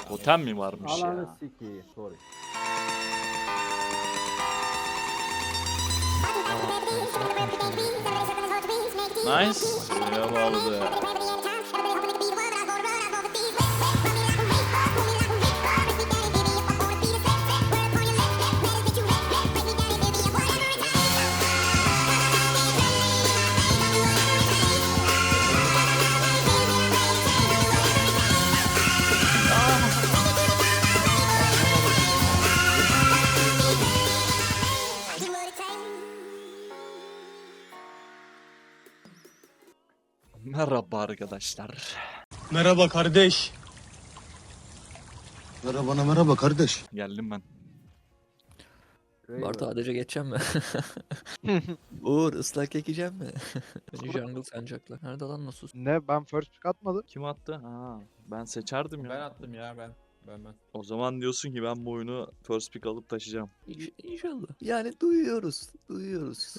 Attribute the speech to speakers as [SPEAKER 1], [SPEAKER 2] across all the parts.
[SPEAKER 1] Totem mi varmış
[SPEAKER 2] Ananı
[SPEAKER 1] ya?
[SPEAKER 2] sikeyim. Sorry.
[SPEAKER 1] Nice. Buraya bağladı. Merhaba arkadaşlar.
[SPEAKER 3] Merhaba kardeş.
[SPEAKER 4] Merhaba kardeş.
[SPEAKER 1] Geldim ben.
[SPEAKER 5] Bartu ADC geçeceğim mi? Uğur ıslak ekeceğim mi? Beni jungle sancaklar. Nerede lan Nasus?
[SPEAKER 3] Ne, ben first pick atmadım.
[SPEAKER 1] Kim attı? Ha, ben seçerdim ya.
[SPEAKER 6] Ben attım ya ben.
[SPEAKER 1] O zaman diyorsun ki ben bu oyunu first pick alıp taşıyacağım.
[SPEAKER 5] İnşallah. Yani duyuyoruz. Duyuyoruz.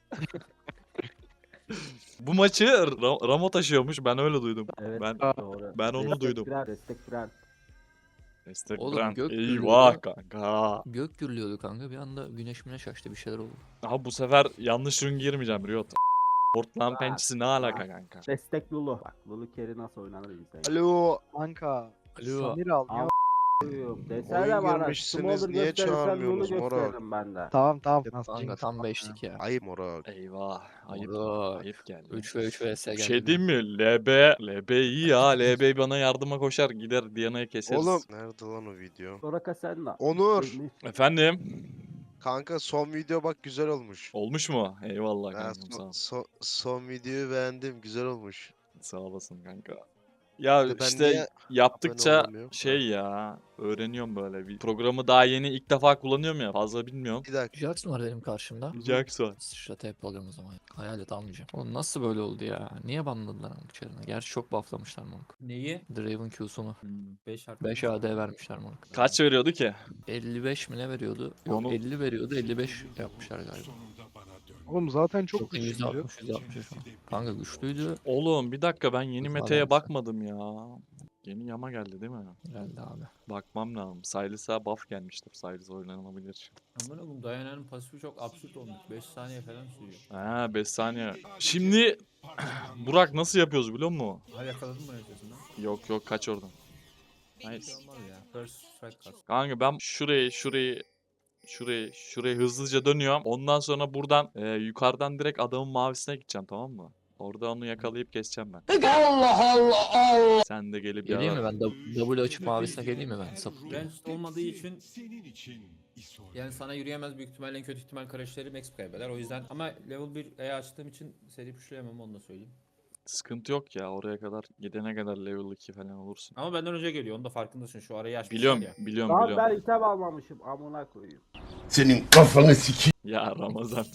[SPEAKER 1] Bu maçı Ramo taşıyormuş. Ben öyle duydum.
[SPEAKER 2] Evet
[SPEAKER 1] Ben
[SPEAKER 2] doğru.
[SPEAKER 1] ben onu
[SPEAKER 2] Destek
[SPEAKER 1] duydum.
[SPEAKER 2] Birer, destek birer.
[SPEAKER 1] Destek
[SPEAKER 5] Oğlum,
[SPEAKER 1] Brand.
[SPEAKER 5] gök
[SPEAKER 1] Eyvah
[SPEAKER 5] gürlüyordu.
[SPEAKER 1] kanka.
[SPEAKER 5] Gök gürlüyordu kanka. Bir anda güneş müneş açtı. Bir şeyler oldu.
[SPEAKER 1] Aha bu sefer yanlış ürün girmeyeceğim Riot. Portland pençesi ne alaka kanka?
[SPEAKER 2] Destek Lulu. Bak Lulu carry nasıl oynanır izleyin.
[SPEAKER 3] Alo kanka.
[SPEAKER 5] Alo.
[SPEAKER 3] Samir al.
[SPEAKER 2] Al. Desene
[SPEAKER 7] Oyun
[SPEAKER 2] bana.
[SPEAKER 7] görmüşsünüz,
[SPEAKER 2] Smolder
[SPEAKER 7] niye
[SPEAKER 2] gösterirsen Lulu
[SPEAKER 7] çağırmıyorsunuz Morak?
[SPEAKER 2] gösteririm ben de.
[SPEAKER 3] Tamam.
[SPEAKER 5] Kanka tam beşlik ya.
[SPEAKER 7] Ayıp Morak.
[SPEAKER 1] Eyvah. Ayıp.
[SPEAKER 5] Morak.
[SPEAKER 1] Ayıp geldi.
[SPEAKER 5] 3 ve 3 vs
[SPEAKER 1] Bir
[SPEAKER 5] geldi.
[SPEAKER 1] şey diyeyim mi? LB iyi ya. LB bana yardıma koşar. Gider Diana'yı keseriz.
[SPEAKER 7] Oğlum. Nerede lan o video?
[SPEAKER 2] Soraka sen de.
[SPEAKER 7] Onur.
[SPEAKER 1] Efendim?
[SPEAKER 7] Kanka son video bak güzel olmuş.
[SPEAKER 1] Olmuş mu? Eyvallah
[SPEAKER 7] Ha,
[SPEAKER 1] kankam sağ ol.
[SPEAKER 7] son videoyu beğendim. Güzel olmuş.
[SPEAKER 1] Sağ olasın kanka. Ya
[SPEAKER 7] Ben
[SPEAKER 1] işte
[SPEAKER 7] niye
[SPEAKER 1] yaptıkça
[SPEAKER 7] abone olamıyorum?
[SPEAKER 1] şey ya öğreniyorum böyle. Bir programı daha yeni ilk defa kullanıyorum ya. Fazla bilmiyorum.
[SPEAKER 7] Bir dakika.
[SPEAKER 5] Jackson var benim karşımda.
[SPEAKER 1] Jackson.
[SPEAKER 5] Sıçrata hep alıyorum o zaman. Hayalet almayacağım. Oğlum nasıl böyle oldu ya? Niye banladılar Monk içerine? Gerçi çok bufflamışlar Monk.
[SPEAKER 6] Neyi?
[SPEAKER 5] Draven Q'sunu.
[SPEAKER 6] 5 harf.
[SPEAKER 5] 5 AD vermişler Monk.
[SPEAKER 1] Kaç veriyordu ki?
[SPEAKER 5] 55 mi ne veriyordu? Yok
[SPEAKER 1] Onu-
[SPEAKER 5] 50 veriyordu. 55 yapmışlar galiba.
[SPEAKER 3] Oğlum zaten çok
[SPEAKER 5] Çok
[SPEAKER 3] güçlü.
[SPEAKER 5] %60 %60 şu an. Kanka güçlüydü.
[SPEAKER 1] Oğlum bir dakika ben yeni
[SPEAKER 5] Güzel
[SPEAKER 1] meta'ya
[SPEAKER 5] vermişler.
[SPEAKER 1] bakmadım ya. Yeni yama geldi değil mi?
[SPEAKER 5] Geldi abi.
[SPEAKER 1] Bakmam lazım. Silas'a buff gelmiştir. Silas oynanabilir.
[SPEAKER 6] Aman oğlum Dayana'nın pasifi çok absürt olmuş. 5 saniye falan sürüyor.
[SPEAKER 1] Ha 5 saniye. Şimdi Burak nasıl yapıyoruz biliyor musun?
[SPEAKER 6] Ha yakaladın mı nefesinden?
[SPEAKER 1] Yok kaç oradan.
[SPEAKER 6] Hiç
[SPEAKER 1] Nice.
[SPEAKER 6] şey olmaz ya. First strike kas.
[SPEAKER 1] Kanka ben şurayı hızlıca dönüyorum. Ondan sonra buradan yukarıdan direkt adamın mavisine gideceğim tamam mı? Orada onu yakalayıp keseceğim ben. Allah. Sen de gelip
[SPEAKER 5] Geleyim mi
[SPEAKER 1] yarar.
[SPEAKER 5] ben? W açıp mavisine geleyim mi ben? Sapık.
[SPEAKER 6] Ranged olmadığı için yani sana yürüyemez, büyük ihtimalle en kötü ihtimal Crash'leri max kaybeder. O yüzden ama level 1 E açtığım için seri pushlayamam, onu da söyleyeyim.
[SPEAKER 1] Sıkıntı yok ya oraya kadar gidene kadar level 2 falan olursun.
[SPEAKER 6] Ama benden önce geliyor, onu da farkındasın, şu arayı açmışlar
[SPEAKER 1] Biliyorum
[SPEAKER 6] ya.
[SPEAKER 1] biliyorum.
[SPEAKER 2] Ben item almamışım. Amına koyayım.
[SPEAKER 4] Senin kafanı sikeyim.
[SPEAKER 1] Ya Ramazan.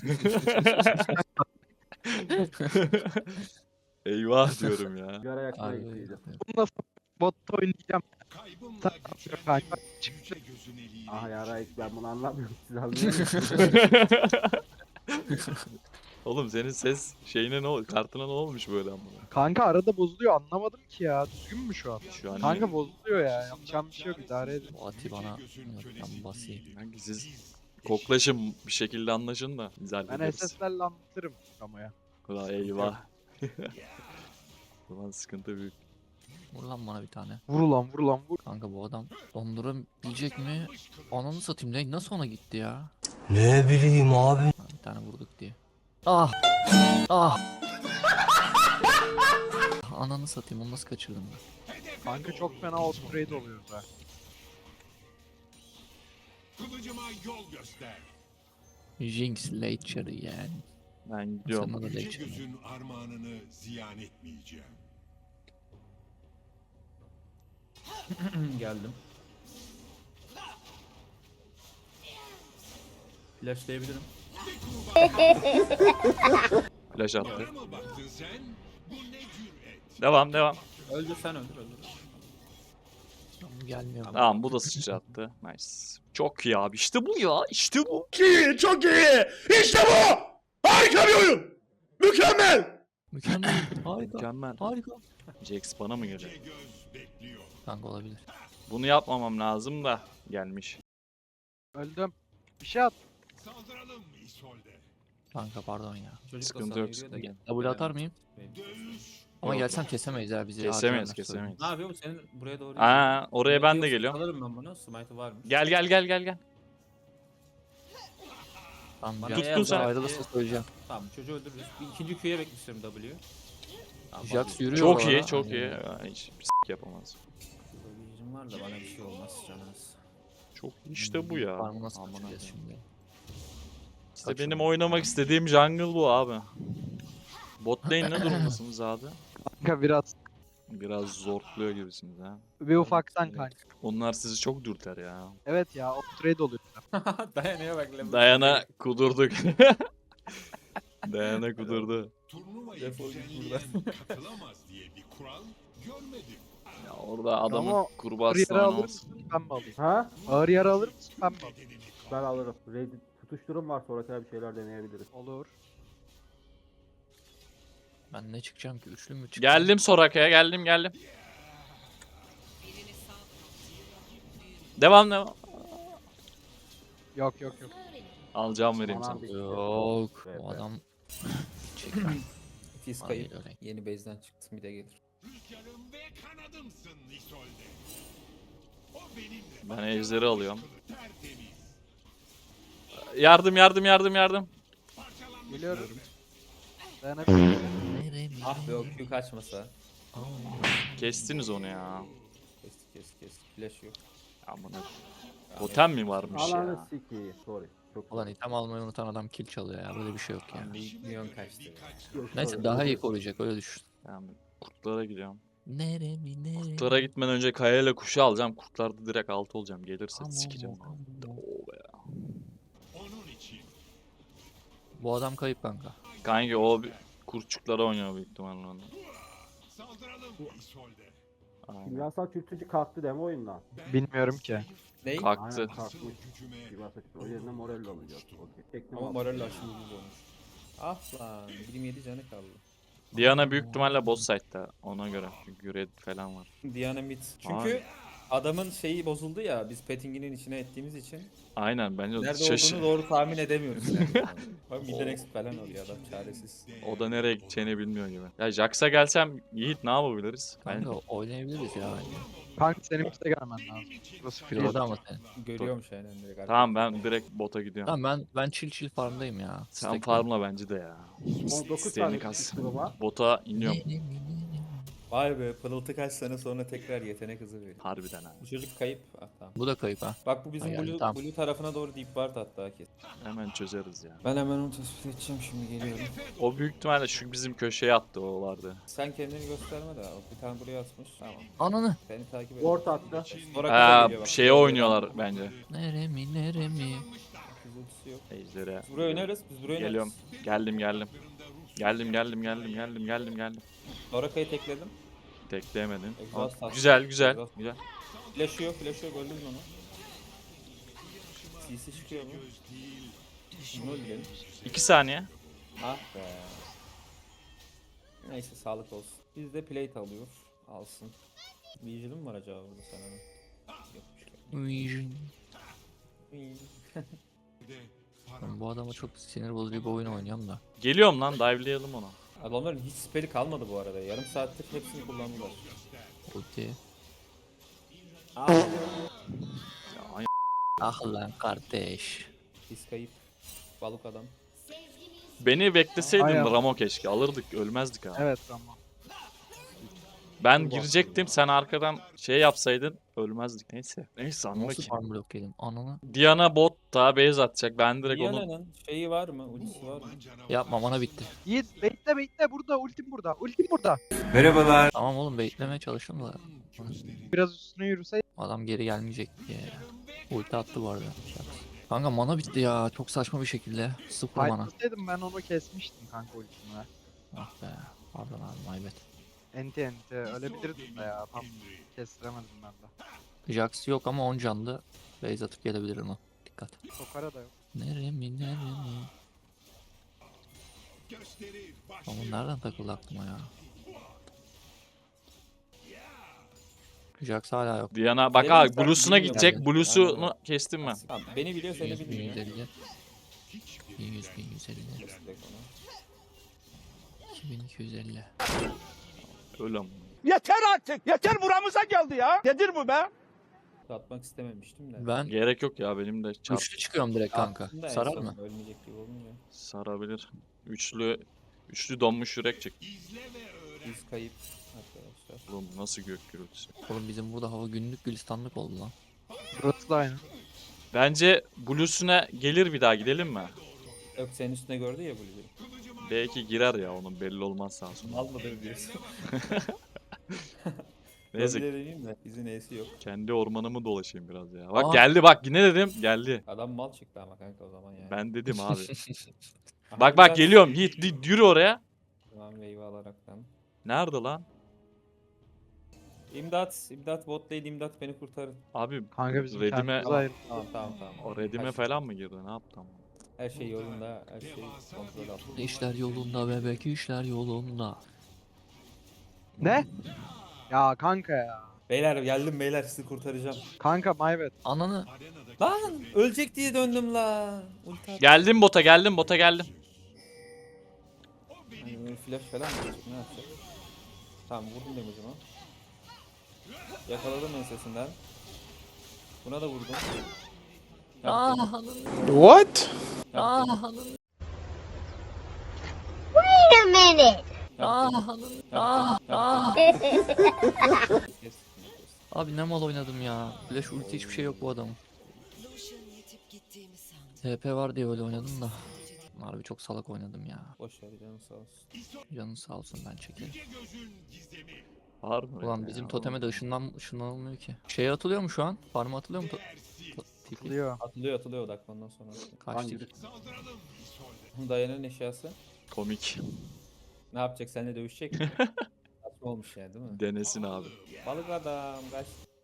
[SPEAKER 1] Eyvah diyorum ya.
[SPEAKER 2] Göre yakmaya
[SPEAKER 5] Abi.
[SPEAKER 2] gittiydim.
[SPEAKER 3] Bunu nasıl botta oynayacağım? Kanka çıktı.
[SPEAKER 2] Ah yarayık ben bunu anlamıyorum. Siz anlıyor musunuz?
[SPEAKER 1] Oğlum senin ses şeyine ne oldu? Kartına ne olmuş böyle ama?
[SPEAKER 3] Kanka arada bozuluyor, anlamadım ki ya. Düzgün mü şu an?
[SPEAKER 1] Şu an
[SPEAKER 3] Kanka bozuluyor ya. Yapacağım bir şey yok, idare edin.
[SPEAKER 5] O Ati bana ben basayım.
[SPEAKER 1] Kanka siz koklaşın bir şekilde anlaşın da biz
[SPEAKER 3] Ben
[SPEAKER 1] hallederiz.
[SPEAKER 3] SS'lerle anlatırım ama ya.
[SPEAKER 1] Ulan eyvah. Ulan sıkıntı büyük.
[SPEAKER 5] Vur lan bana bir tane.
[SPEAKER 3] Vur lan vur.
[SPEAKER 5] Kanka bu adam dondurabilecek mi? Ananı satayım ne? Nasıl ona gitti ya?
[SPEAKER 4] Ne bileyim abi.
[SPEAKER 5] Ha, bir tane vurduk diye. Ah! Ah! Ananı satayım onu nasıl kaçırdım ben?
[SPEAKER 3] Kanka çok fena outtrade oluyor da.
[SPEAKER 5] Jinx Late'ları yani.
[SPEAKER 1] Ben gidiyorum.
[SPEAKER 5] Sana da
[SPEAKER 8] Yüce
[SPEAKER 5] Late'ları.
[SPEAKER 8] gözün armağanını ziyan etmeyeceğim.
[SPEAKER 6] Geldim. Flashlayabilirim.
[SPEAKER 1] Flash attı.
[SPEAKER 8] Bana mı baktın sen? Bu ne cüret?
[SPEAKER 1] Devam.
[SPEAKER 6] Öldür, sen öldür.
[SPEAKER 5] Tamam, gelmiyor.
[SPEAKER 1] Tamam bu da sıçrattı. Nice. Çok iyi abi. İşte bu ya. İşte bu.
[SPEAKER 4] Çok iyi. İşte bu. Harika bir oyun. Mükemmel.
[SPEAKER 5] Mükemmel. Harika.
[SPEAKER 1] Mükemmel.
[SPEAKER 5] Harika.
[SPEAKER 1] Jax bana mı geliyor?
[SPEAKER 8] Göz bekliyor.
[SPEAKER 5] Kanka olabilir.
[SPEAKER 1] Bunu yapmamam lazım da gelmiş.
[SPEAKER 3] Öldüm. Bir şey at.
[SPEAKER 8] Saldıralım İsolde.
[SPEAKER 5] Kanka pardon ya.
[SPEAKER 6] Çocuk da
[SPEAKER 1] Sıkıntı
[SPEAKER 6] sana
[SPEAKER 1] yok,
[SPEAKER 6] yürüyor da
[SPEAKER 1] sıkıntı
[SPEAKER 6] gel.
[SPEAKER 5] Double atar mıyım?
[SPEAKER 8] Dövüş.
[SPEAKER 5] Ama
[SPEAKER 1] Yok.
[SPEAKER 5] gelsem kesemeyiz ya bizi.
[SPEAKER 1] Kesemeyiz,
[SPEAKER 5] harcarlar,
[SPEAKER 1] kesemeyiz.
[SPEAKER 6] Ne yapıyor bu senin buraya doğru?
[SPEAKER 1] Aa, oraya ben de
[SPEAKER 6] Yok,
[SPEAKER 1] geliyorum.
[SPEAKER 6] Alırım ben bunu. Smite'ı varmış.
[SPEAKER 1] Gel gel gel gel gel.
[SPEAKER 5] Tamam,
[SPEAKER 6] Bana
[SPEAKER 5] Jax
[SPEAKER 1] Tuttun sen.
[SPEAKER 5] ayrılırsa söyleyeceğim.
[SPEAKER 6] Tamam çocuğu öldürürüz. Bir ikinci Q'ya bekliyorum W. Tamam,
[SPEAKER 5] Jax yürüyor
[SPEAKER 1] Çok
[SPEAKER 5] bu
[SPEAKER 1] iyi,
[SPEAKER 5] arada.
[SPEAKER 1] çok
[SPEAKER 5] Aynen.
[SPEAKER 1] iyi. Ya, hiç bir yapamaz.
[SPEAKER 6] W'cim var da bana bir şey olmaz canınız.
[SPEAKER 1] Çok iyi işte bu ya.
[SPEAKER 5] Farmı nasıl
[SPEAKER 1] Aman
[SPEAKER 5] kaçıracağız
[SPEAKER 1] Allah'ım.
[SPEAKER 5] şimdi?
[SPEAKER 1] İşte
[SPEAKER 5] Kaçın.
[SPEAKER 1] benim oynamak istediğim jungle bu abi. Bot lane ne durumdasınız abi?
[SPEAKER 3] Kanka biraz.
[SPEAKER 1] Biraz zorluyor gibisiniz ha.
[SPEAKER 3] Bir ufaktan kanka.
[SPEAKER 1] Onlar sizi çok dürter ya.
[SPEAKER 3] Evet ya o trade oluyor.
[SPEAKER 6] Dayanıyor bak. level
[SPEAKER 1] Dayana kudurduk. Dayana kudurdu.
[SPEAKER 8] Turnuvaya
[SPEAKER 6] Defol git
[SPEAKER 8] düzenleyen katılamaz diye bir kural görmedim.
[SPEAKER 1] Ya orada adamın
[SPEAKER 3] Ama ağır
[SPEAKER 1] kurbağasını
[SPEAKER 3] yara alır
[SPEAKER 1] oynamaz.
[SPEAKER 3] mısın ben mi alayım?
[SPEAKER 2] Ha?
[SPEAKER 3] Ağır yara alır mısın ben mi alayım?
[SPEAKER 2] Ben alırım. Reddit tutuşturum var, sonraki bir şeyler deneyebiliriz.
[SPEAKER 3] Olur.
[SPEAKER 5] Ben ne çıkacağım ki? Üçlü mü çıkacağım?
[SPEAKER 1] Geldim Soraka'ya, geldim. Devam.
[SPEAKER 3] Yok yok yok.
[SPEAKER 1] Alacağım vereyim
[SPEAKER 2] Manam
[SPEAKER 1] sana.
[SPEAKER 2] bitti.
[SPEAKER 5] Yok.
[SPEAKER 2] Evet,
[SPEAKER 5] O
[SPEAKER 2] evet.
[SPEAKER 5] adam... Çekil.
[SPEAKER 6] Tiz
[SPEAKER 5] Bana
[SPEAKER 6] kayıp.
[SPEAKER 5] değil öyle.
[SPEAKER 6] Yeni base'den çıktım bir de gelir.
[SPEAKER 8] Rüzgarım ve kanadımsın İsolde. O benimle.
[SPEAKER 1] Ben ejderi alıyorum.
[SPEAKER 8] Tertemiz.
[SPEAKER 1] Yardım.
[SPEAKER 3] Geliyorum. Dayanabilirim.
[SPEAKER 6] Ah be o Q kaçmasa.
[SPEAKER 1] Kestiniz onu ya.
[SPEAKER 6] Kestik. Flash yok.
[SPEAKER 1] Aman totem mi varmış
[SPEAKER 2] Alanı
[SPEAKER 1] ya?
[SPEAKER 2] sikiyim. Sorry. Çok
[SPEAKER 5] Ulan item almayı unutan adam kill çalıyor ya. Böyle bir şey yok ya.
[SPEAKER 6] Milyon kaçtı.
[SPEAKER 2] Yok,
[SPEAKER 5] Neyse
[SPEAKER 2] sorry.
[SPEAKER 5] daha iyi koruyacak öyle düşün.
[SPEAKER 1] Yani kurtlara gidiyorum.
[SPEAKER 5] Neremi.
[SPEAKER 1] Kurtlara gitmeden önce kayayla kuşu alacağım. Kurtlarda direkt altı olacağım. Gelirse
[SPEAKER 5] Aman
[SPEAKER 1] sikeceğim.
[SPEAKER 5] aman.
[SPEAKER 1] Oo be.
[SPEAKER 8] Onun için.
[SPEAKER 5] Bu adam kayıp kanka.
[SPEAKER 1] Kanki o kurtçuklara oynuyor büyük ihtimalle onu.
[SPEAKER 8] Saldıralım İsolde.
[SPEAKER 1] Aynen.
[SPEAKER 2] Kimyasal çürütücü kalktı deme oyundan.
[SPEAKER 3] Bilmiyorum ki.
[SPEAKER 6] Ney?
[SPEAKER 1] Kalktı.
[SPEAKER 2] Aynen kalkmış.
[SPEAKER 8] Gücüme
[SPEAKER 2] Kimyasal çürütücü. O yerine moral alacağız. Okey. Tekne
[SPEAKER 6] Ama
[SPEAKER 2] var.
[SPEAKER 6] Morello aşırı ucuz olmuş. Ah lan 27 canı kaldı.
[SPEAKER 1] Diana büyük ihtimalle boss site'da ona göre. Çünkü red falan var.
[SPEAKER 6] Diana mid. Çünkü
[SPEAKER 1] Abi.
[SPEAKER 6] adamın şeyi bozuldu ya biz pettinginin içine ettiğimiz için.
[SPEAKER 1] Aynen bence
[SPEAKER 6] Nerede
[SPEAKER 1] şaşı.
[SPEAKER 6] olduğunu doğru tahmin edemiyoruz yani. Bak midden exp falan oluyor adam çaresiz.
[SPEAKER 1] O da nereye gideceğini bilmiyor gibi. Ya Jax'a gelsem Yiğit ne yapabiliriz? Ben
[SPEAKER 5] Kanka oynayabiliriz ya bence.
[SPEAKER 3] Kanka senin bize gelmen lazım.
[SPEAKER 6] Nasıl
[SPEAKER 5] Piloda ama senin.
[SPEAKER 6] Görüyormuş aynen direkt.
[SPEAKER 1] tamam ben direkt bota gidiyorum.
[SPEAKER 5] Tamam ben chill farmdayım ya.
[SPEAKER 1] Sen
[SPEAKER 5] Stack'le.
[SPEAKER 1] farmla bence de ya.
[SPEAKER 2] 19
[SPEAKER 1] İsteğini
[SPEAKER 2] tane
[SPEAKER 1] kas.
[SPEAKER 2] tutuşturum var.
[SPEAKER 1] Bota iniyorum.
[SPEAKER 6] Vay be pırıltı kaç sene sonra tekrar yetenek hızı veriyor.
[SPEAKER 1] Harbiden ha.
[SPEAKER 6] Bu çocuk kayıp. Ah tamam.
[SPEAKER 5] Bu da kayıp ha.
[SPEAKER 6] Bak bu bizim
[SPEAKER 5] Ha, yani
[SPEAKER 6] blue,
[SPEAKER 5] tamam.
[SPEAKER 6] blue tarafına doğru deep ward hatta kes.
[SPEAKER 1] Hemen çözeriz ya.
[SPEAKER 6] Ben hemen onu tespit edeceğim şimdi geliyorum.
[SPEAKER 1] O büyük ihtimalle şu bizim köşeye attı o vardı.
[SPEAKER 6] Sen kendini gösterme de o bir tane buraya atmış. Tamam.
[SPEAKER 5] Ananı.
[SPEAKER 6] Seni takip et.
[SPEAKER 2] Ward attı.
[SPEAKER 6] Sonra geliyor bak.
[SPEAKER 1] Şeye oynuyorlar bence.
[SPEAKER 5] Neremi.
[SPEAKER 6] Biz ultisi yok.
[SPEAKER 1] Ejder'e.
[SPEAKER 6] Biz buraya oynarız. Biz buraya
[SPEAKER 1] Geliyorum.
[SPEAKER 6] oynarız.
[SPEAKER 1] Geldim.
[SPEAKER 6] Soraka'yı tekledim.
[SPEAKER 1] Teklemedin.
[SPEAKER 6] Exhaust attı.
[SPEAKER 1] Güzel.
[SPEAKER 6] Exhaust.
[SPEAKER 1] Güzel.
[SPEAKER 6] Flash'ı yok öldürdün onu. CC çıkıyor mu? Bunu öldürelim.
[SPEAKER 1] 2 saniye.
[SPEAKER 6] Ah be. Neyse sağlık olsun. Biz de plate alıyor. Alsın. Vigil'in mi var acaba burada sana? Yokmuş.
[SPEAKER 5] Ben bu adama çok sinir bozucu bir oyun oynuyorum da.
[SPEAKER 1] Geliyorum lan dive'layalım onu.
[SPEAKER 6] Adamların hiç spell'i kalmadı bu arada. Yarım saattir hepsini kullandılar.
[SPEAKER 5] Ulti.
[SPEAKER 6] Ah.
[SPEAKER 1] Ya, ay-
[SPEAKER 5] Ah lan kardeş.
[SPEAKER 6] Biz kayıp. Balık adam.
[SPEAKER 1] Beni bekleseydin
[SPEAKER 3] Aynen.
[SPEAKER 1] Ramo keşke. Alırdık ölmezdik ha.
[SPEAKER 3] Evet tamam.
[SPEAKER 1] Ben girecektim sen arkadan şey yapsaydın ölmezdik. Neyse anla
[SPEAKER 5] Nasıl
[SPEAKER 1] ki.
[SPEAKER 5] farm blok yedim? Ananı.
[SPEAKER 1] Diana bot da base atacak. Ben direkt onu
[SPEAKER 6] Diana'nın şeyi var mı? Ultisi var mı?
[SPEAKER 5] Yapma bana bitti.
[SPEAKER 3] Yiğit bekle burada ultim burada. Ultim burada.
[SPEAKER 5] Tamam oğlum beklemeye çalıştım da.
[SPEAKER 3] Biraz üstüne yürüse.
[SPEAKER 5] Adam geri gelmeyecek diye. Ulti attı bu arada. Kanka mana bitti ya. Çok saçma bir şekilde. Sıfır mana.
[SPEAKER 3] Fightlasaydım ben onu kesmiştim kanka ultimle.
[SPEAKER 5] Ah be. Pardon abi my bad.
[SPEAKER 3] Enti ölebilirdim de ya tam kestiremedim ben de.
[SPEAKER 5] Jax yok ama 10 canlı. Base atıp gelebilir onu. Dikkat.
[SPEAKER 3] Sokara da yok.
[SPEAKER 5] Neremi.
[SPEAKER 8] Gösteri
[SPEAKER 5] Ama nereden takıldı aklıma ya? Jax hala yok.
[SPEAKER 1] Diana bak
[SPEAKER 6] Dedim
[SPEAKER 1] ha
[SPEAKER 6] sen
[SPEAKER 1] Blue'suna
[SPEAKER 6] bilmiyorum
[SPEAKER 1] gidecek.
[SPEAKER 6] yani.
[SPEAKER 1] Blue'sunu
[SPEAKER 6] Aynen.
[SPEAKER 1] kestim ben.
[SPEAKER 6] Tamam, beni biliyor seni
[SPEAKER 5] 100
[SPEAKER 6] bilmiyor.
[SPEAKER 5] 1150. 1100 1150.
[SPEAKER 6] Direkt ona.
[SPEAKER 5] 2250.
[SPEAKER 1] Öyle mi?
[SPEAKER 4] Yeter artık. Yeter buramıza geldi ya. Nedir bu be?
[SPEAKER 6] Atmak istememiştim de.
[SPEAKER 5] Ben
[SPEAKER 1] Gerek yok ya benim de çarp
[SPEAKER 5] üçlü çıkıyorum direkt kanka.
[SPEAKER 6] Aslında en
[SPEAKER 5] Sarar
[SPEAKER 6] son
[SPEAKER 5] mı?
[SPEAKER 6] Ölmeyecek gibi olunca.
[SPEAKER 1] sarabilir. Üçlü donmuş yürek çek.
[SPEAKER 6] Biz kayıp arkadaşlar.
[SPEAKER 1] Oğlum nasıl gök gürültüsü.
[SPEAKER 5] Oğlum bizim burada hava günlük gülistanlık oldu lan.
[SPEAKER 3] Burası da aynı.
[SPEAKER 1] Bence Blue'suna gelir bir daha gidelim mi?
[SPEAKER 6] Yok senin üstüne gördü ya Blue'yu.
[SPEAKER 1] Belki girer ya onun belli olmaz sağ olsun.
[SPEAKER 6] Almadı diyorsun.
[SPEAKER 1] Neyse
[SPEAKER 6] Neyse. Deneyim de izin E'si yok.
[SPEAKER 1] kendi ormanımı dolaşayım biraz ya. Bak
[SPEAKER 5] Aa.
[SPEAKER 1] geldi bak yine dedim geldi.
[SPEAKER 6] Adam mal çıktı ama kanka o zaman yani.
[SPEAKER 1] Ben dedim abi.
[SPEAKER 6] Aha,
[SPEAKER 1] Bak bak
[SPEAKER 6] biraz-
[SPEAKER 1] geliyorum Yiğit yürü oraya.
[SPEAKER 6] Tamam wave alaraktan.
[SPEAKER 1] Nerede lan?
[SPEAKER 6] İmdat bot lane imdat beni kurtarın.
[SPEAKER 1] Abi
[SPEAKER 3] Kanka bizim
[SPEAKER 1] Redime-
[SPEAKER 3] kendimize ayır.
[SPEAKER 6] Tamam.
[SPEAKER 1] o redime falan mı girdi ne yaptı ama?
[SPEAKER 6] Her şey yolunda, her şey kontrol altında.
[SPEAKER 5] İşler yolunda bebek, işler yolunda.
[SPEAKER 3] Ne? Ya kanka ya.
[SPEAKER 6] Beyler geldim beyler sizi kurtaracağım.
[SPEAKER 3] Kanka my bad.
[SPEAKER 5] Ananı.
[SPEAKER 6] Lan ölecek diye döndüm la. Ulti at.
[SPEAKER 1] Geldim bota geldim.
[SPEAKER 6] Yani böyle flash falan mı yapacak ne yapacak? Tamam vurdum damage'ımı. Yakaladım ensesinden. Buna da vurdum.
[SPEAKER 5] Ah ananı.
[SPEAKER 4] What?
[SPEAKER 5] Ah ananı.
[SPEAKER 9] Wait a minute.
[SPEAKER 5] Ah ananı. Ah ah.
[SPEAKER 6] Kes.
[SPEAKER 5] Abi ne mal oynadım ya. Flash ulti hiçbir şey yok bu adamın. TP var diye öyle oynadım da. Harbi çok salak oynadım ya.
[SPEAKER 6] Boş ver canın sağ olsun.
[SPEAKER 5] Canın sağ olsun ben çekerim.
[SPEAKER 1] Var mı?
[SPEAKER 5] Ulan
[SPEAKER 1] öyle
[SPEAKER 5] bizim
[SPEAKER 1] ya?
[SPEAKER 5] toteme de ışınlanmıyor ki. Şeye atılıyor mu şu an? Farm'a atılıyor mu? Tipi.
[SPEAKER 3] Diyor.
[SPEAKER 6] Atılıyor odaklandan sonra.
[SPEAKER 5] Kaç tip?
[SPEAKER 6] Dayanın eşyası.
[SPEAKER 1] Komik.
[SPEAKER 6] Ne yapacak seninle dövüşecek mi? Saçma olmuş yani değil mi?
[SPEAKER 1] Denesin abi.
[SPEAKER 6] Balık adam kaç.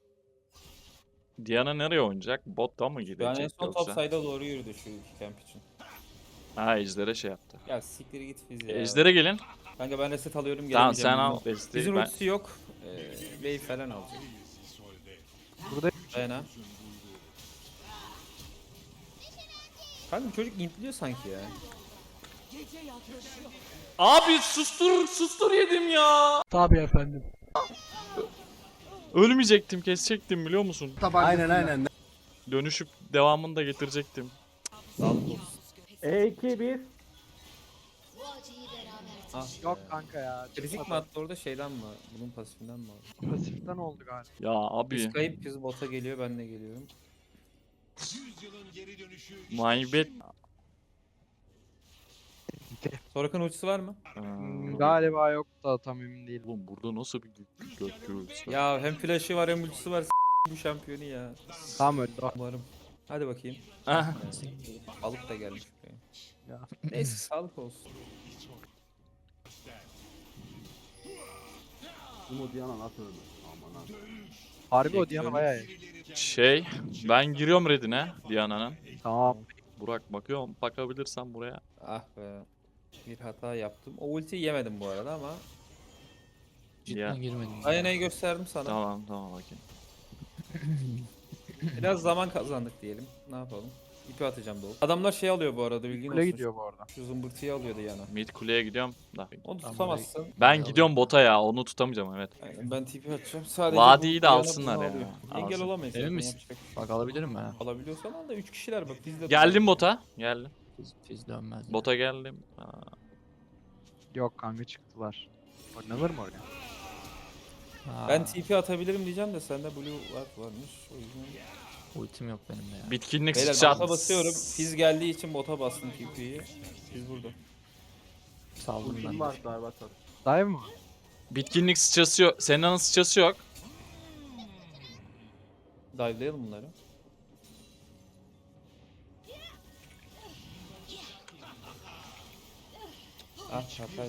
[SPEAKER 1] Diana nereye oynayacak? Botta mı
[SPEAKER 6] Ben en
[SPEAKER 1] gidecek
[SPEAKER 6] son top
[SPEAKER 1] yoksa?
[SPEAKER 6] side'a doğru yürüdü şu iki camp için.
[SPEAKER 1] Ha Ejder'e şey yaptı.
[SPEAKER 6] Ya siktir git fiz ya.
[SPEAKER 1] Ejder'e gelin.
[SPEAKER 6] Kanka ben reset alıyorum
[SPEAKER 1] Tamam
[SPEAKER 6] gelemeyeceğim.
[SPEAKER 1] sen al
[SPEAKER 6] bundan.
[SPEAKER 1] desteği
[SPEAKER 6] Bizim
[SPEAKER 1] ben.
[SPEAKER 6] ultisi yok. Wave falan alacak.
[SPEAKER 3] Burada
[SPEAKER 6] Dayana. Kanka bu çocuk intliyor sanki ya.
[SPEAKER 1] Abi sustur yedim ya.
[SPEAKER 4] Tabii efendim.
[SPEAKER 1] Ölmeyecektim kesecektim biliyor musun?
[SPEAKER 2] Aynen.
[SPEAKER 1] Dönüşüp devamını da getirecektim.
[SPEAKER 6] Sağlık olsun.
[SPEAKER 2] E2
[SPEAKER 6] Ah,
[SPEAKER 3] yok kanka ya.
[SPEAKER 6] Kritik mi attı orada şeyden mi? Bunun pasifinden mi aldı?
[SPEAKER 3] Pasiften oldu galiba.
[SPEAKER 1] Ya abi
[SPEAKER 6] Biz kayıp biz bota geliyor ben de geliyorum.
[SPEAKER 1] my bad.
[SPEAKER 6] Sorakan ultisi var mı?
[SPEAKER 3] Galiba yok da tam emin değilim.
[SPEAKER 1] Oğlum burada nasıl bir gök gürültüsü var?
[SPEAKER 6] Ya hem flash'ı var hem ultisi var. Bu şampiyonu ya.
[SPEAKER 3] Tam öldü.
[SPEAKER 6] Umarım. Hadi bakayım.
[SPEAKER 1] Ah,
[SPEAKER 6] Alıp da gelmiş buraya.
[SPEAKER 3] Ya.
[SPEAKER 6] Neyse sağlık olsun.
[SPEAKER 2] Bu Diana nasıl öldü? Aman ha.
[SPEAKER 3] Harbi o Diana bayağı iyi.
[SPEAKER 1] ben giriyorum redine Diana'nın.
[SPEAKER 3] Tamam.
[SPEAKER 1] Burak bakıyorum bakabilirsen buraya.
[SPEAKER 6] Ah be. Bir hata yaptım. O ultiyi yemedim bu arada ama.
[SPEAKER 5] Cidden
[SPEAKER 1] Ya.
[SPEAKER 5] girmedim.
[SPEAKER 6] Aynayı gösterdim sana.
[SPEAKER 1] Tamam bakayım.
[SPEAKER 6] Biraz zaman kazandık diyelim. Ne yapalım? İpi atacağım dolu. Adamlar şey alıyor bu arada bilgin
[SPEAKER 3] Kule
[SPEAKER 6] olsun.
[SPEAKER 3] gidiyor bu arada.
[SPEAKER 6] Şu zımbırtıyı alıyordu yana.
[SPEAKER 1] Mid kuleye gidiyorum da.
[SPEAKER 6] Onu
[SPEAKER 5] Tamam,
[SPEAKER 6] tutamazsın.
[SPEAKER 1] Ben gidiyorum bota ya onu tutamayacağım evet.
[SPEAKER 6] Aynen, ben TP atacağım. Sadece
[SPEAKER 1] Vadiyi
[SPEAKER 6] bu
[SPEAKER 1] de
[SPEAKER 6] yana
[SPEAKER 1] alsınlar
[SPEAKER 6] bunu
[SPEAKER 1] ya.
[SPEAKER 6] alıyor. Engel
[SPEAKER 1] Alsın.
[SPEAKER 6] olamayız.
[SPEAKER 5] Emin
[SPEAKER 6] zaten,
[SPEAKER 5] misin?
[SPEAKER 6] yapacak bir şey
[SPEAKER 5] Bak alabilirim mi?
[SPEAKER 6] yok. Alabiliyorsan al da 3 kişiler bak biz de
[SPEAKER 1] Geldim bota. Geldim.
[SPEAKER 5] Fiz dönmez.
[SPEAKER 1] Bota geldim.
[SPEAKER 3] Yok kanka çıktılar. Oynanır mı oraya?
[SPEAKER 5] Ha,
[SPEAKER 6] Ben TP atabilirim diyeceğim de sende blue varmış. O yüzden.
[SPEAKER 5] ultim yok benim de ya.
[SPEAKER 1] Bitkinlik
[SPEAKER 6] Beyler
[SPEAKER 1] sıçrat.
[SPEAKER 6] bota basıyorum. Fiz geldiği için bota bastım TP'yi. Fiz burada.
[SPEAKER 5] Saldım
[SPEAKER 2] Ultim
[SPEAKER 5] ben.
[SPEAKER 2] var galiba çok.
[SPEAKER 3] Dive mı?
[SPEAKER 1] Bitkinlik sıçrası yok. Senna'nın sıçrası yok.
[SPEAKER 6] Dive'layalım bunları. Ah çarpar.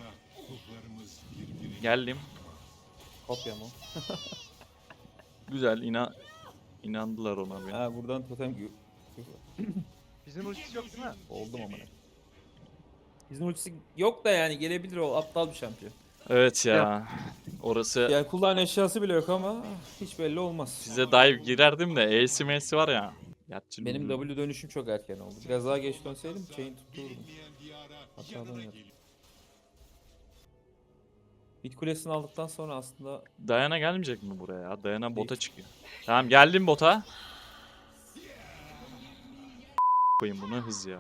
[SPEAKER 1] Geldim.
[SPEAKER 6] Kopya mı?
[SPEAKER 1] Güzel inandılar ona bir.
[SPEAKER 6] Ha buradan totem
[SPEAKER 3] Bizim ultisi yok değil mi?
[SPEAKER 6] oldum ama. Bizim ultisi yok da yani gelebilir o aptal bir şampiyon.
[SPEAKER 1] Evet ya. Orası
[SPEAKER 6] Yani kulağın eşyası bile yok ama hiç belli olmaz.
[SPEAKER 1] size dive girerdim de E'si M'si var ya. Yatçı
[SPEAKER 6] Benim
[SPEAKER 1] Lulu.
[SPEAKER 6] W dönüşüm çok erken oldu. Biraz daha geç dönseydim chain tuturdum. Hatadan yaptım. Bit kulesini aldıktan sonra aslında
[SPEAKER 1] Diana gelmeyecek mi buraya ya? Diana bota çıkıyor. Tamam geldim bota. Koyayım bunu hız ya.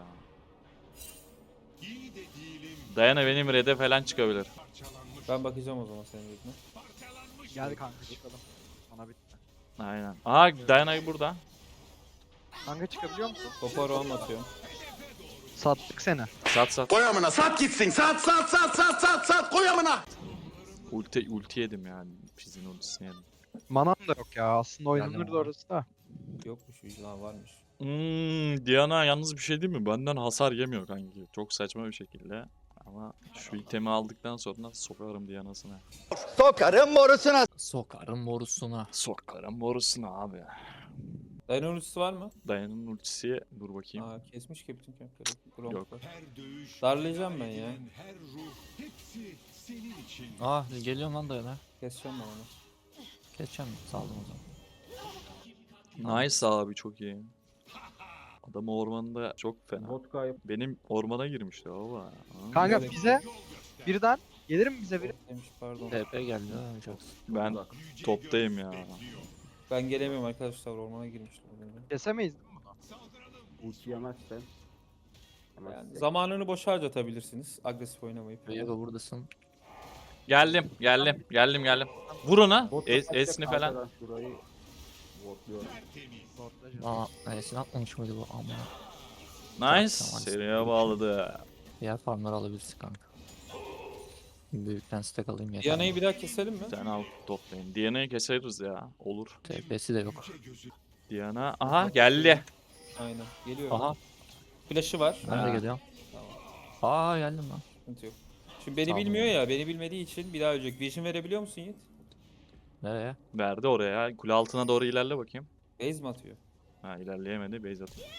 [SPEAKER 1] Diana benim red'e falan çıkabilir.
[SPEAKER 6] ben bakacağım o zaman senin dediğine.
[SPEAKER 3] Gel kanka çıkalım. Ona bitti.
[SPEAKER 1] Aynen. Aha Diana burada.
[SPEAKER 3] Kanka çıkabiliyor musun?
[SPEAKER 6] Topa roam atıyorum.
[SPEAKER 3] Sattık seni.
[SPEAKER 1] Sat sat.
[SPEAKER 4] Koy amına sat gitsin. Sat sat sat sat sat sat koy amına.
[SPEAKER 1] Ulti yedim yani. Fizz'in ultisini yedim.
[SPEAKER 3] Manam da yok ya. Aslında oynanırdı orası da.
[SPEAKER 6] Yokmuş vicdan varmış.
[SPEAKER 1] Diana yalnız bir şey değil mi? Benden hasar yemiyor kanki. Çok saçma bir şekilde. Ama şu itemi aldıktan sonra sokarım Diana'sına.
[SPEAKER 5] Sokarım morusuna.
[SPEAKER 1] Sokarım borusuna abi.
[SPEAKER 6] Dino ultisi var mı?
[SPEAKER 1] Diana'nın ultisi dur bakayım.
[SPEAKER 6] Aa kesmiş ki bütün kempleri. Gromp
[SPEAKER 1] Yok.
[SPEAKER 6] var.
[SPEAKER 8] Her dövüş,
[SPEAKER 6] Darlayacağım ben ya.
[SPEAKER 8] her ruh, hepsi senin için.
[SPEAKER 5] Aa geliyorum lan Dayana.
[SPEAKER 6] Keseceğim ben onu.
[SPEAKER 5] Geçeceğim saldım o zaman.
[SPEAKER 1] Nice abi çok iyi. Adam ormanda çok fena.
[SPEAKER 2] Bot kayıp.
[SPEAKER 1] Benim ormana girmişti baba. Aa.
[SPEAKER 3] Kanka
[SPEAKER 6] Evet.
[SPEAKER 3] bize birden gelir mi bize biri?
[SPEAKER 6] Demiş pardon.
[SPEAKER 5] TP geldi ha Jax.
[SPEAKER 1] Ben toptayım ya.
[SPEAKER 6] Ben gelemiyorum arkadaşlar ormana girmişler.
[SPEAKER 3] Kesemeyiz değil mi bunu?
[SPEAKER 2] Ulti yemezsen.
[SPEAKER 6] Yani zamanını boş harcatabilirsiniz agresif oynamayıp.
[SPEAKER 5] Vega buradasın.
[SPEAKER 1] Geldim. Vur ona.
[SPEAKER 2] Bot
[SPEAKER 1] Esini falan.
[SPEAKER 2] arkadan Şurayı botluyorum.
[SPEAKER 5] Aa E'sini atmamış mıydı bu ama.
[SPEAKER 1] Nice.
[SPEAKER 5] Tamam.
[SPEAKER 1] Seriye bağladı.
[SPEAKER 5] Diğer farmları alabilirsin kanka. Büyükten stack alayım yeter.
[SPEAKER 6] Diana'yı bir daha keselim mi?
[SPEAKER 1] Sen al toplayın. Diana'yı keseriz ya. Olur.
[SPEAKER 5] TP'si de yok.
[SPEAKER 1] Diana. Aha geldi.
[SPEAKER 6] Aynen. Geliyorum.
[SPEAKER 5] Aha
[SPEAKER 6] Flash'ı var.
[SPEAKER 5] ben de
[SPEAKER 1] Ha.
[SPEAKER 5] geliyorum.
[SPEAKER 6] Tamam.
[SPEAKER 5] Aa geldim lan.
[SPEAKER 6] Sıkıntı yok. Şimdi beni
[SPEAKER 5] Tamam.
[SPEAKER 6] bilmiyor ya. Beni bilmediği için bir daha ölecek. Vision verebiliyor musun Yiğit?
[SPEAKER 5] Nereye?
[SPEAKER 1] Verdi oraya. Kule altına doğru ilerle bakayım.
[SPEAKER 6] Base mi atıyor?
[SPEAKER 1] Ha ilerleyemedi. Base atıyor.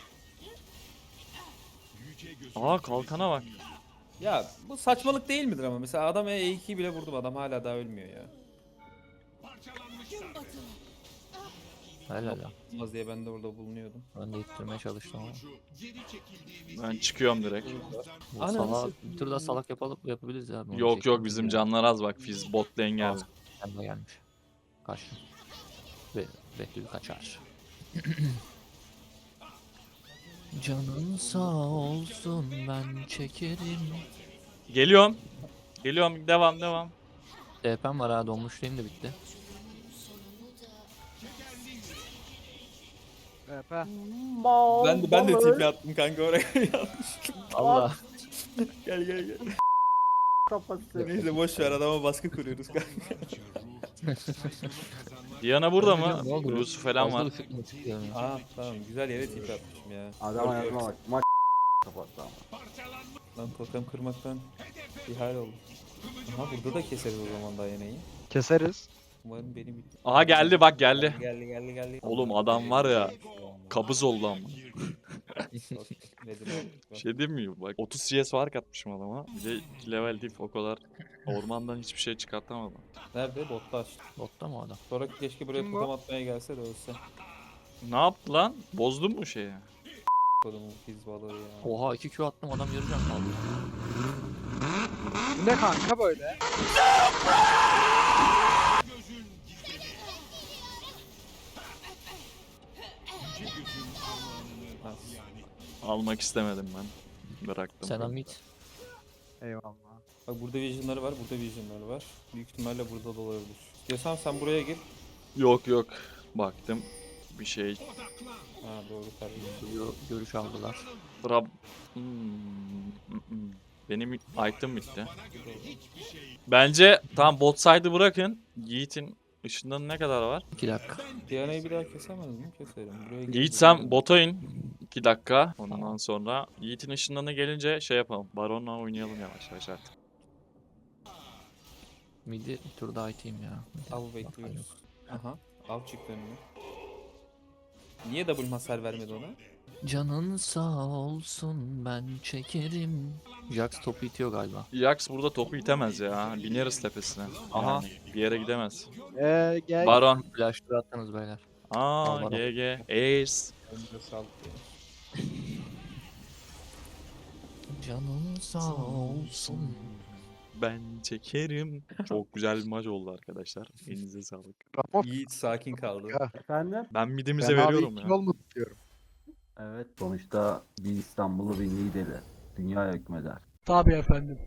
[SPEAKER 1] Aa kalkana bak.
[SPEAKER 6] Ya bu saçmalık değil midir ama? Mesela adam E2'yi bile vurdum. Adam hala daha ölmüyor ya.
[SPEAKER 5] Helal ya.
[SPEAKER 6] Olmaz diye ben de orada bulunuyordum.
[SPEAKER 5] Ben de ittirmeye çalıştım ama.
[SPEAKER 1] Ben çıkıyorum direkt.
[SPEAKER 5] Bu
[SPEAKER 6] Ananı
[SPEAKER 5] salak, bir tur daha salak yapabiliriz ya. bunu
[SPEAKER 1] Yok
[SPEAKER 5] çektim
[SPEAKER 1] yok bizim
[SPEAKER 5] ya.
[SPEAKER 1] canlar az bak. Fizz bot lane geldi.
[SPEAKER 5] Kendi gelmiş. Kaçtım. Behlül kaçar. Canın sağ olsun ben çekerim.
[SPEAKER 1] Geliyorum. Geliyorum. Devam.
[SPEAKER 5] DP'm var ha donmuşluğum da bitti.
[SPEAKER 3] VP.
[SPEAKER 6] Ben de TP attım kanka oraya.
[SPEAKER 5] Allah.
[SPEAKER 6] gel.
[SPEAKER 2] Kafası.
[SPEAKER 6] Neyse boş ver adama baskı kuruyoruz kanka.
[SPEAKER 1] Diana burada
[SPEAKER 5] Ne
[SPEAKER 1] mı?
[SPEAKER 5] oldu?
[SPEAKER 1] Blue'su falan
[SPEAKER 5] Fazla
[SPEAKER 1] var.
[SPEAKER 5] üşütme istiyorum ya.
[SPEAKER 6] Aa tamam güzel yere TP atmışım ya.
[SPEAKER 2] Adam ayağıma bak. Maç kapattı ama.
[SPEAKER 6] Lan totem kırmaktan bir hal oldu. Aha burada da keseriz o zaman Diana'yı.
[SPEAKER 3] Keseriz.
[SPEAKER 6] Umarım beni bir...
[SPEAKER 1] Aha geldi bak geldi.
[SPEAKER 6] Geldi.
[SPEAKER 1] Oğlum adam var ya. Kabız oldu ama.
[SPEAKER 6] Nedir
[SPEAKER 1] Bir şey diyeyim mi? Bak 30 CS fark atmışım adama. Bir de 2 level diff o kadar. Ormandan hiçbir şey çıkartamadım.
[SPEAKER 6] Nerede? Botta açtı.
[SPEAKER 5] Botta mı o adam?
[SPEAKER 6] Sonra keşke buraya
[SPEAKER 3] Kim bu?
[SPEAKER 6] totem atmaya gelse de ölse.
[SPEAKER 1] Ne yaptı lan? Bozdun mu şeyi?
[SPEAKER 6] Kodumun fiz balığı ya.
[SPEAKER 5] Oha 2 Q attım adam yarı can kaldı.
[SPEAKER 3] Bu ne kanka böyle?
[SPEAKER 6] Ha.
[SPEAKER 1] Almak istemedim ben. Bıraktım.
[SPEAKER 5] Sen Amit.
[SPEAKER 3] Eyvallah.
[SPEAKER 6] Bak burada vision'ları var, burada vision'ları var. Büyük ihtimalle burada da olabilir. İstiyorsan sen buraya gir.
[SPEAKER 1] Yok. Baktım. Bir şey.
[SPEAKER 6] Ha doğru tabii.
[SPEAKER 5] Görüş aldılar.
[SPEAKER 1] Rab... Benim item bitti. Bence tam bot side'ı bırakın. Yiğit'in ışından ne kadar var?
[SPEAKER 5] 2 dakika.
[SPEAKER 6] Diana'yı bir daha kesemez mi? Keserim. Buraya gir.
[SPEAKER 1] Yiğit sen bota in. 2 dakika. Ondan sonra Yiğit'in ışınlarına gelince şey yapalım. Baron'la oynayalım yavaş yavaş artık.
[SPEAKER 5] Midi bir tur daha iteyim ya.
[SPEAKER 6] Av bekliyoruz. Aha. Av çıktı önüne. Niye double hasar vermedi ona?
[SPEAKER 5] Canın sağ olsun ben çekerim. Jax topu itiyor galiba.
[SPEAKER 1] Jax burada topu itemez ya. Bineriz tepesine.
[SPEAKER 5] Aha.
[SPEAKER 1] Yani bir yere gidemez.
[SPEAKER 3] Gel.
[SPEAKER 1] Baron.
[SPEAKER 5] Flash'ları attınız beyler.
[SPEAKER 1] Aa
[SPEAKER 5] Baron.
[SPEAKER 1] GG. Ace.
[SPEAKER 6] Önce sağlık.
[SPEAKER 5] Canın sağ olsun.
[SPEAKER 1] Ben çekerim. Çok güzel bir maç oldu arkadaşlar. Elinize sağlık.
[SPEAKER 3] Ramos.
[SPEAKER 6] Yiğit sakin kaldı.
[SPEAKER 2] Efendim?
[SPEAKER 1] Ben midimize
[SPEAKER 3] Ben abi
[SPEAKER 1] veriyorum
[SPEAKER 3] iki
[SPEAKER 1] ya.
[SPEAKER 3] yol mu tutuyorum?
[SPEAKER 2] Evet sonuçta bir İstanbul'u bir Niğde'li. Dünya hükmeder.
[SPEAKER 3] Tabii efendim.